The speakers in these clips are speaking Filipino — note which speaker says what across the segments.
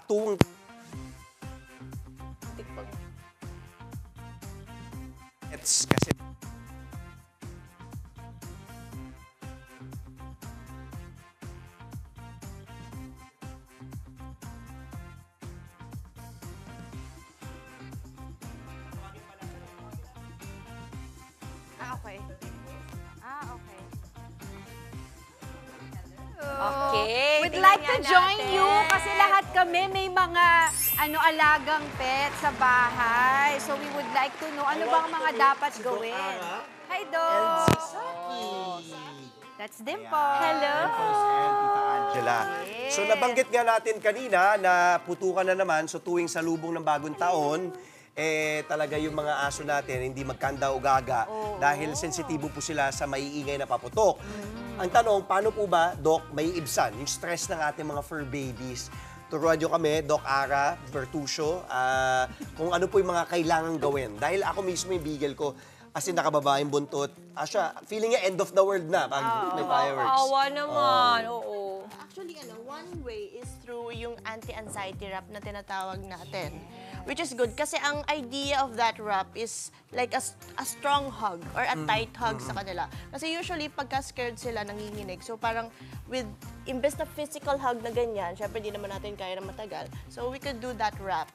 Speaker 1: tuwang... Kasi...
Speaker 2: Okay. Okay.
Speaker 3: Okay.
Speaker 2: We'd
Speaker 3: tingnan
Speaker 2: like to
Speaker 3: nga
Speaker 2: join
Speaker 3: natin.
Speaker 2: you kasi lahat kami may mga alagang pet sa bahay. So we would like to know ano bang mga dapat gawin. Hi, Doc! That's Dimple.
Speaker 3: Hello.
Speaker 1: Angela. So nabanggit nga natin kanina na putukan na naman, so tuwing salubong ng bagong taon, talaga yung mga aso natin hindi magkanda o gaga dahil sensitibo po sila sa maiingay na paputok. Ang tanong, paano po ba, Doc, may ibsan yung stress ng ating mga fur babies? Turuan nyo kami, Doc Ara, Bertuccio, kung ano po yung mga kailangan gawin. Dahil ako mismo yung beagle ko, as in nakababa yung buntot. Siya, feeling niya end of the world na pag may fireworks.
Speaker 3: Awa naman, oo.
Speaker 4: Actually, one way is through yung anti-anxiety wrap na tinatawag natin. Which is good kasi ang idea of that wrap is like a strong hug or a tight hug sa kanila. Kasi usually, pagka scared sila, nanginginig. So parang imbes na physical hug na ganyan, syempre di naman natin kaya na matagal. So we could do that wrap.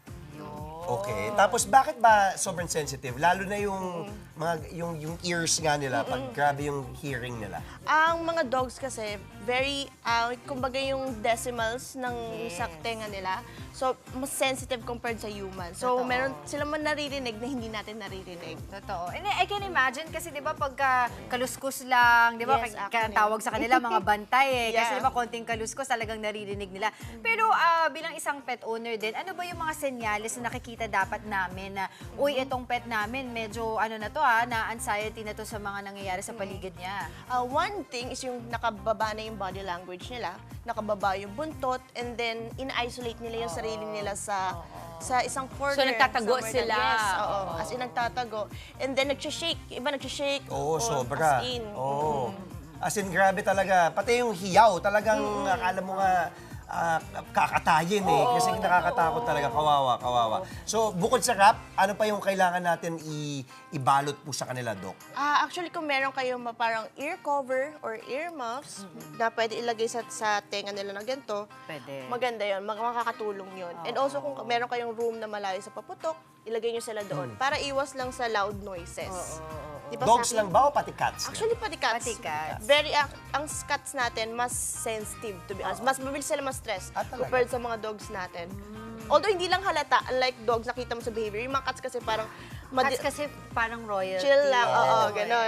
Speaker 1: Okay. Tapos bakit ba sobrang sensitive? Lalo na yung yung ears nga nila pag grabe yung hearing nila.
Speaker 4: Ang mga dogs kasi, very, kumbaga yung decimals ng sa tenga nila, so mas sensitive compared sa human. So
Speaker 2: Totoo.
Speaker 4: meron sila man naririnig na hindi natin naririnig.
Speaker 2: Totoo. And I can imagine kasi 'di ba pagka kaluskus lang, 'di ba?
Speaker 4: Yes,
Speaker 2: Kaya
Speaker 4: actually.
Speaker 2: tawag sa kanila mga bantay Kasi
Speaker 4: Yeah.
Speaker 2: 'di ba konting kaluskus talagang naririnig nila. Pero bilang isang pet owner din, ano ba yung mga senyales na nakikita dapat namin na uy, itong pet namin medyo na to na anxiety na to sa mga nangyayari sa paligid niya.
Speaker 4: One thing is yung nakababa na yung body language nila, nakababa yung buntot, and then in-isolate nila yung sarili nila sa isang corner.
Speaker 3: So, nagtatago
Speaker 4: somewhere
Speaker 3: sila.
Speaker 4: Yes, oo. As in, nagtatago. And then, nag-shake. Iba nag-shake.
Speaker 1: Oo,
Speaker 4: or
Speaker 1: sobra.
Speaker 4: As in.
Speaker 1: Oo. As in, grabe talaga. Pati yung hiyaw, talagang akala mo nga kakatayin kasi nakakatakot talaga. Kawawa, kawawa. So, bukod sa wrap, ano pa yung kailangan natin ibalot po sa kanila, Doc?
Speaker 4: Actually, kung meron kayong parang ear cover or ear muffs na pwede ilagay sa tenga nila na ganito,
Speaker 2: Pwede.
Speaker 4: maganda yun. Makakatulong yun. And also, kung meron kayong room na malayo sa paputok, ilagay nyo sila doon para iwas lang sa loud noises. Di ba
Speaker 1: Dogs
Speaker 4: sa
Speaker 1: lang ba o pati cats?
Speaker 4: Actually, pati cats.
Speaker 2: Pati cats.
Speaker 4: Ang cats natin, mas sensitive to be honest. Mas mabilis sila ma-stress
Speaker 1: Talaga?
Speaker 4: compared sa mga dogs natin. Although hindi lang halata, unlike dogs, nakita mo sa behavior. Yung mga cats kasi parang
Speaker 2: Cats kasi parang royalty.
Speaker 4: chill lang. Oo, ganon.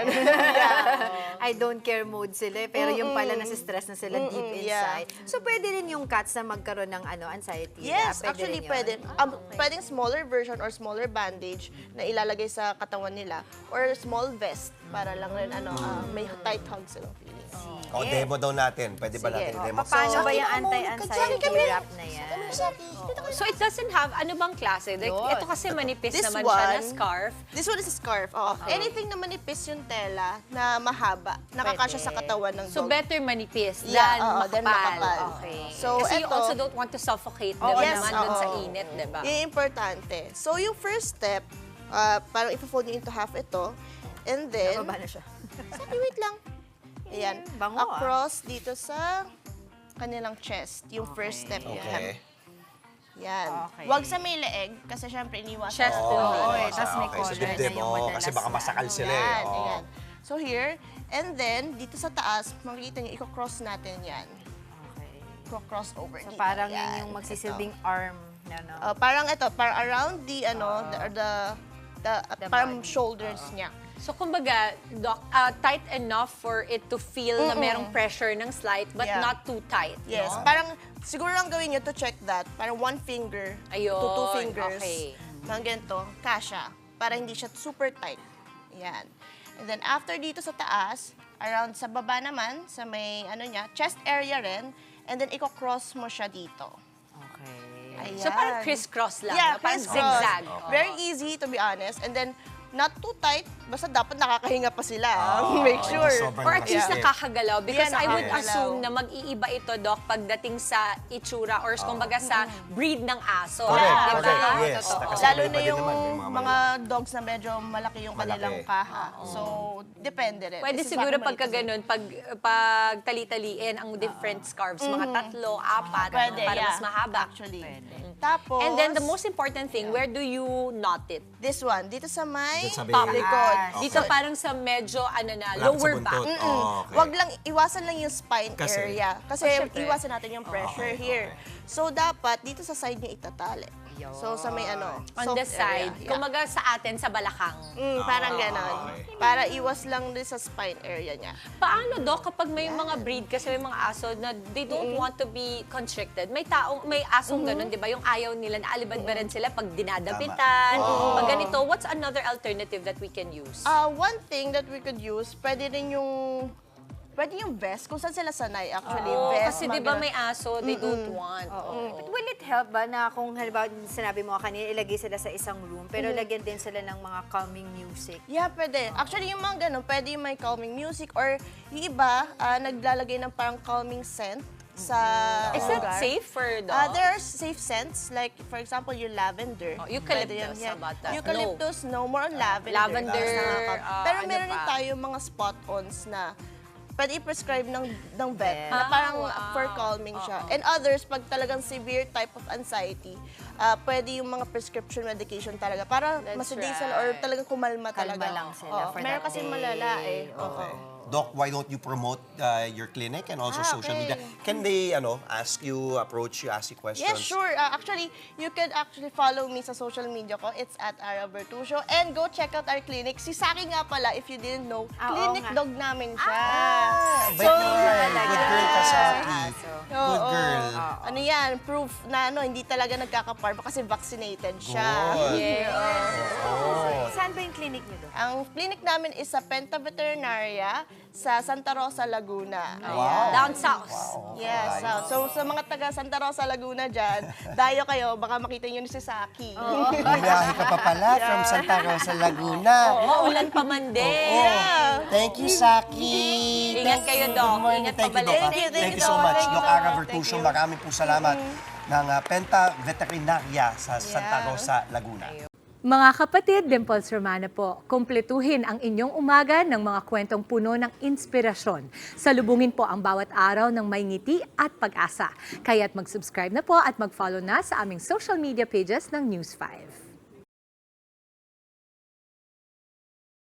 Speaker 4: Yeah.
Speaker 2: I don't care mode sila pero yung pala nasa stress na sila deep
Speaker 4: yeah.
Speaker 2: inside. So pwede rin yung cats na magkaroon ng anxiety.
Speaker 4: Yes,
Speaker 2: Pwede
Speaker 4: actually
Speaker 2: rin yun?
Speaker 4: pwede. Pwedeng smaller version or smaller bandage na ilalagay sa katawan nila or small vest para lang rin may tight hug silang feelings.
Speaker 1: O, demo daw natin. Pwede ba natin demo?
Speaker 2: Paano ba yung
Speaker 4: Sorry,
Speaker 2: anti-anxiety
Speaker 4: kami.
Speaker 2: wrap na yan?
Speaker 3: So, it doesn't have, ano bang klase? Like,
Speaker 2: Yun.
Speaker 3: ito kasi manipis
Speaker 4: This
Speaker 3: naman siya na
Speaker 4: one,
Speaker 3: scarf.
Speaker 4: This one is a scarf. Anything na manipis yung tela na mahaba, nakakasya sa katawan ng
Speaker 3: So,
Speaker 4: dog.
Speaker 3: better manipis
Speaker 4: Yeah,
Speaker 3: than makapal.
Speaker 4: than makapal.
Speaker 3: Okay.
Speaker 4: So,
Speaker 3: Kasi you
Speaker 4: eto-
Speaker 3: also don't want to suffocate
Speaker 2: Oo,
Speaker 3: them
Speaker 4: yes,
Speaker 3: naman dun sa
Speaker 4: oo.
Speaker 3: init, di ba?
Speaker 4: Yun yung importante. So, yung first step, parang ipo-fold nyo into half ito. And then,
Speaker 2: Baba na siya.
Speaker 4: sabi, wait lang. Ayan.
Speaker 2: Bango,
Speaker 4: Across dito sa kanilang chest. Yung first step.
Speaker 1: Okay.
Speaker 4: Yan.
Speaker 2: Okay.
Speaker 4: Huwag sa may leeg, kasi syempre iniwasan.
Speaker 3: Chest
Speaker 4: natin.
Speaker 3: to.
Speaker 2: Oo, tas may
Speaker 1: Okay, so
Speaker 2: collar na
Speaker 1: dibdib,
Speaker 2: yung madalas
Speaker 1: kasi baka
Speaker 2: na
Speaker 1: masakal sila
Speaker 4: Yan,
Speaker 1: Oo.
Speaker 4: ayan. So here, and then, dito sa taas, makikita nyo, i-cross natin yan.
Speaker 2: Okay.
Speaker 4: Cross over
Speaker 2: So
Speaker 4: dito.
Speaker 2: parang
Speaker 4: Yan.
Speaker 2: yun yung magsisilbing arm na
Speaker 4: Parang ito, parang around the, parang
Speaker 2: body.
Speaker 4: shoulders niya.
Speaker 3: So, kumbaga, Doc, tight enough for it to feel na merong pressure ng slight, but
Speaker 4: Yeah.
Speaker 3: not too tight,
Speaker 4: Yes,
Speaker 3: no?
Speaker 4: parang siguro lang gawin nyo to check that. Parang one finger
Speaker 3: Ayun,
Speaker 4: to two fingers.
Speaker 3: okay.
Speaker 4: Mga ganito, kasha. Para hindi siya super tight. Yan. And then after dito sa taas, around sa baba naman, sa may chest area rin. And then i-cross mo siya dito.
Speaker 2: Okay.
Speaker 4: Ayan.
Speaker 3: So, parang crisscross lang,
Speaker 4: Yeah,
Speaker 3: no? Parang
Speaker 4: crisscross.
Speaker 3: zigzag.
Speaker 4: Very easy to be honest. And then not too tight, basta dapat nakakahinga pa sila. Make sure.
Speaker 1: sobrang
Speaker 3: Or at least
Speaker 1: nakakasakit.
Speaker 3: nakakagalaw. Because
Speaker 4: Yeah,
Speaker 3: I would
Speaker 4: nakakagalaw.
Speaker 3: assume na mag-iiba ito, Doc, pagdating sa itsura or kumbaga sa breed ng aso.
Speaker 1: Correct,
Speaker 3: Di ba?
Speaker 1: correct, yes.
Speaker 3: Totoo.
Speaker 1: Kasi
Speaker 4: Lalo
Speaker 1: iba
Speaker 4: na
Speaker 1: din
Speaker 4: yung
Speaker 1: naman, may
Speaker 4: mga dogs na medyo malaki yung
Speaker 1: Malaki.
Speaker 4: kanilang kaha. So, depende rin.
Speaker 3: Pwede
Speaker 4: Kasi
Speaker 3: siguro
Speaker 4: sa akin
Speaker 3: pagka
Speaker 4: maliit kasi.
Speaker 3: ganun, pag tali-taliin ang different scarves, mga 3, 4,
Speaker 4: Pwede,
Speaker 3: para
Speaker 4: yeah.
Speaker 3: mas mahaba.
Speaker 4: Actually. Tapos,
Speaker 3: And then the most important thing, where do you knot it?
Speaker 4: this one, dito sa may
Speaker 1: Dito sa may-
Speaker 4: top likod.
Speaker 2: Ah,
Speaker 3: Dito parang sa medyo, ano na,
Speaker 1: Malapit sa
Speaker 3: lower
Speaker 1: buntot.
Speaker 3: back.
Speaker 1: Okay.
Speaker 4: Wag lang, iwasan lang yung spine
Speaker 1: Kasi?
Speaker 4: area. Kasi
Speaker 3: syempre.
Speaker 4: iwasan natin yung pressure here. So, dapat dito sa side nyo itatali. So, sa may ano,
Speaker 3: On the
Speaker 4: soft
Speaker 3: side.
Speaker 4: area. Yeah.
Speaker 3: Kumaga sa atin, sa balakang.
Speaker 4: Parang ganon. Para iwas lang din sa spine area niya.
Speaker 3: Paano, Doc, kapag may mga breed, kasi may mga aso na they don't want to be constricted. May asong ganun, di ba? Yung ayaw nila, naalibad-baran sila pag dinadapitan. Pag ganito, what's another alternative that we can use?
Speaker 4: One thing that we could use, pwede yung vest, kung saan sila sanay actually. Vest,
Speaker 3: Kasi di
Speaker 4: mga
Speaker 3: ba
Speaker 4: ganon.
Speaker 3: may aso, they don't want.
Speaker 2: But will it help ba na kung halimbawa sinabi mo kanina, ilagay sila sa isang room, pero lagyan din sila ng mga calming music?
Speaker 4: Yeah, pwede. Actually, yung mga ganun, pwede yung may calming music or yung iba, naglalagay ng parang calming scent sa
Speaker 3: Is that
Speaker 4: lugar.
Speaker 3: safe for dogs?
Speaker 4: There are safe scents, like for example, yung lavender.
Speaker 3: Oh, eucalyptus,
Speaker 4: Pwede yan,
Speaker 3: how about that?
Speaker 4: Eucalyptus, no. More on lavender.
Speaker 3: Lavender,
Speaker 4: Mas nakaka- Pero
Speaker 3: ano
Speaker 4: meron din
Speaker 3: pa?
Speaker 4: tayo mga spot-ons na pwede i-prescribe ng vet na
Speaker 3: Ah,
Speaker 4: parang
Speaker 3: wow.
Speaker 4: for calming siya. And others, pag talagang severe type of anxiety, pwede yung mga prescription medication talaga para
Speaker 3: That's
Speaker 4: masedasal
Speaker 3: right.
Speaker 4: or talagang kumalma
Speaker 2: Kalma
Speaker 4: talaga.
Speaker 2: lang sila for
Speaker 4: Meron
Speaker 2: that
Speaker 4: kasi
Speaker 2: day.
Speaker 4: malala eh.
Speaker 1: Okay. Doc, why don't you promote your clinic and also social
Speaker 4: okay.
Speaker 1: media? Can they ask you, approach you, ask you questions?
Speaker 4: Yes, sure. Actually, you can actually follow me sa social media ko. It's at Ara Bertuccio. And go check out our clinic. Si Saki nga pala, if you didn't know,
Speaker 2: Ah, oo
Speaker 4: clinic
Speaker 2: nga.
Speaker 4: dog namin siya.
Speaker 1: Bait naman. Good girl ka, Saki. Good
Speaker 4: Oo.
Speaker 1: girl.
Speaker 4: Ano yan, proof na hindi talaga nagkakaparma kasi vaccinated siya.
Speaker 1: Good.
Speaker 2: Saan ba yung clinic niyo doon?
Speaker 4: Ang clinic namin is sa Penta Veterinaria sa Santa Rosa, Laguna.
Speaker 1: Wow.
Speaker 3: Down south.
Speaker 4: Yes. So sa mga taga Santa Rosa, Laguna dyan, dayo kayo, baka makita nyo ni si Saki.
Speaker 1: Bumiyahe ka pa pala from Santa Rosa, Laguna.
Speaker 3: Maulan pa man din.
Speaker 1: Thank you, Saki.
Speaker 3: Ingat kayo, Doc.
Speaker 1: Good morning.
Speaker 3: Ingat
Speaker 1: Thank you,
Speaker 3: pabalik.
Speaker 1: Doc. Thank you so much,
Speaker 4: Thank you,
Speaker 1: Doc
Speaker 4: Doc.
Speaker 1: Ara
Speaker 4: Thank
Speaker 1: Bertuccio.
Speaker 4: you.
Speaker 1: Maraming po salamat ng Penta Veterinaria sa Santa
Speaker 4: Yeah.
Speaker 1: Rosa, Laguna.
Speaker 5: Mga kapatid, Dimples Romana po, kumpletuhin ang inyong umaga ng mga kwentong puno ng inspirasyon. Salubungin po ang bawat araw ng may ngiti at pag-asa. Kaya't mag-subscribe na po at mag-follow na sa aming social media pages ng News 5.